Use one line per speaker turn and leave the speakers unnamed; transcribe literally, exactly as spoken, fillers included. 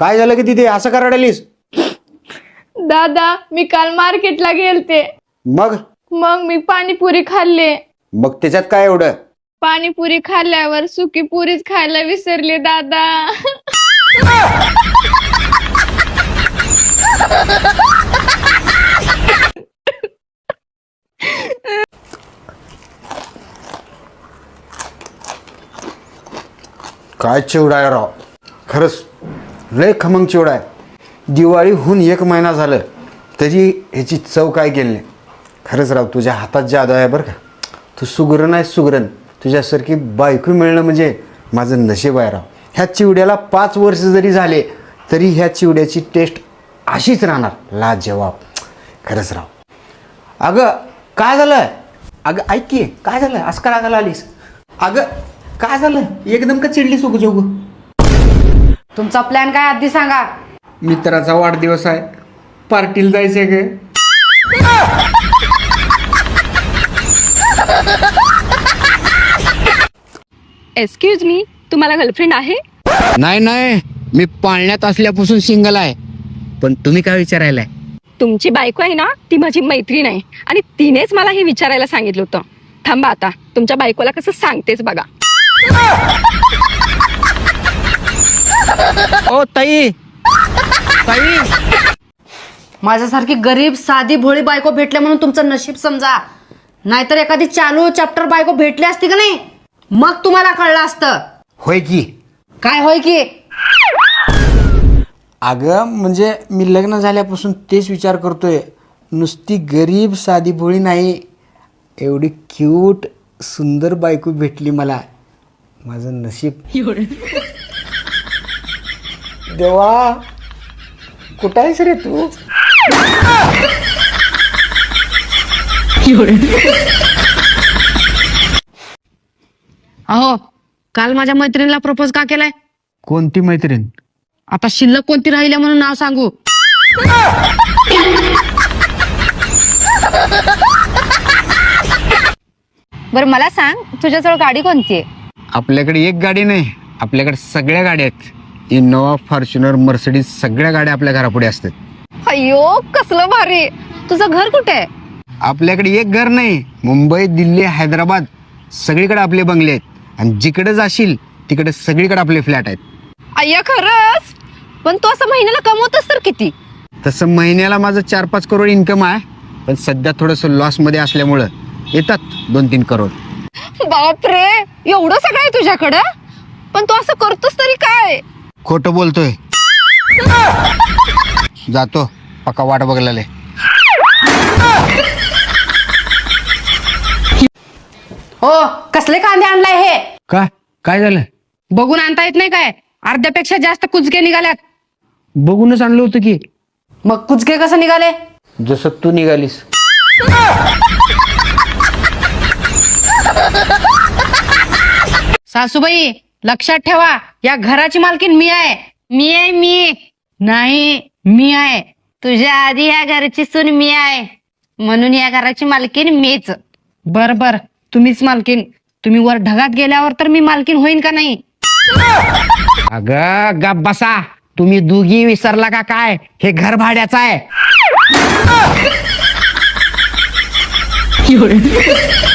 काय झालं की तिथे असं का रडालीस?
दादा मी काल मार्केटला गेलते,
मग
मग मी पाणीपुरी खाल्ले.
मग त्याच्यात काय एवढं?
पाणीपुरी खाल्ल्यावर सुकी पुरीच खायला विसरले दादा.
काय चिवडा आहे राव, खरंच लय खमंग चिवडा आहे. दिवाळीहून एक महिना झालं तरी ह्याची चव काय गेली नाही. खरंच राव तुझ्या हातात जादू आहे बरं का. तू सुगरण आहे सुगरण. तुझ्यासारखी बायको मिळणं म्हणजे माझं नशीब आहे राव. ह्या चिवड्याला पाच वर्ष जरी झाले तरी ह्या चिवड्याची टेस्ट अशीच राहणार, लाजवाब. खरंच राव. अगं काय झालं? अगं ऐक की, काय झालं असं का रागाला आलीस? अगं काय झालं एकदम का चिडलीस उग जोग?
तुमचा प्लॅन काय आधी सांगा.
मित्राचा वाढदिवस आहे, पार्टीला जायचंय ग.
एक्सक्यूज मी, तुम्हाला गर्लफ्रेंड आहे?
नाही नाही, मी पाळण्यात असल्यापासून सिंगल आहे. पण तुम्ही काय विचारायलाय?
तुमची बायको आहे ना, ती माझी मैत्रीण आहे आणि तिनेच मला हे विचारायला सांगितलं होतं. थांबा आता तुमच्या बायकोला कसं सांगतेच बघा.
ओ ताई, ताई,
माझ्यासारखी गरीब साधी भोळी बायको भेटले म्हणून तुमचं नशीब समजा. नाहीतर एखादी चालू चॅप्टर बायको भेटली असती का नाही, मग तुम्हाला कळलं असतं.
होय की.
काय होय की?
अगं म्हणजे मी लग्न झाल्यापासून तेच विचार करतोय. नुसती गरीब साधी भोळी नाही, एवढी क्यूट सुंदर बायको भेटली मला. माझं नशीब. देवा कुठं आहेस रे तू?
अहो काल माझ्या मैत्रिणीला प्रपोज का केलाय?
कोणती मैत्रीण?
आता शिल्लक कोणती राहिल्या म्हणून नाव सांगू?
बरं मला सांग, तुझ्याजवळ गाडी कोणती आहे?
आपल्याकडे एक गाडी नाही, आपल्याकडे सगळ्या गाड्या आहेत. इनोवा, फॉर्च्युनर, मर्सिडीज सगळ्या गाड्या आपल्या घरापुढे असतात.
अयो कसलं भारी. तुझं घर कुठे आहे?
आपल्याकडे एक घर नाही, मुंबई, दिल्ली, हैदराबाद सगळीकडे आपले बंगले आहेत. आणि जिकडे जाशील तिकडे सगळीकडे आपले फ्लॅट आहेत.
अय्या खरंच? पण तू असं महिन्याला कमवतोस तर किती?
तसं महिन्याला माझं चार पाच करोड इन्कम आहे, पण सध्या थोडंसं लॉसमध्ये असल्यामुळं येतात दोन तीन करोड.
बापरे, एवढं सगळं आहे तुझ्याकडं? पण तू असं करतोस तरी काय?
खोटं बोलतोय. जातो, पक्का वाट बघलाय.
हो कसले कांदे आणलाय हे?
का काय झालं?
बघून आणता येत नाही काय? अर्ध्यापेक्षा जास्त कुचके निघाल्यात.
बघूनच आणलं होतं की.
मग कुचके कसं निघाले?
जसं तू निघालीस.
सासूबाई लक्षात ठेवा, या घराची मालकीन मी आहे.
मी आहे मी.
नाही मी आहे.
तुझ्या आधी ह्या घराची सून मी आहे, म्हणून या घराची मालकीन मीच.
बर बर तुम्हीच मालकीन. तुम्ही वर ढगात गेल्यावर तर मी मालकीन होईन का नाही?
अगं गप बसा, तुम्ही दोघी विसरला का काय? हे घर भाड्याचं आहे.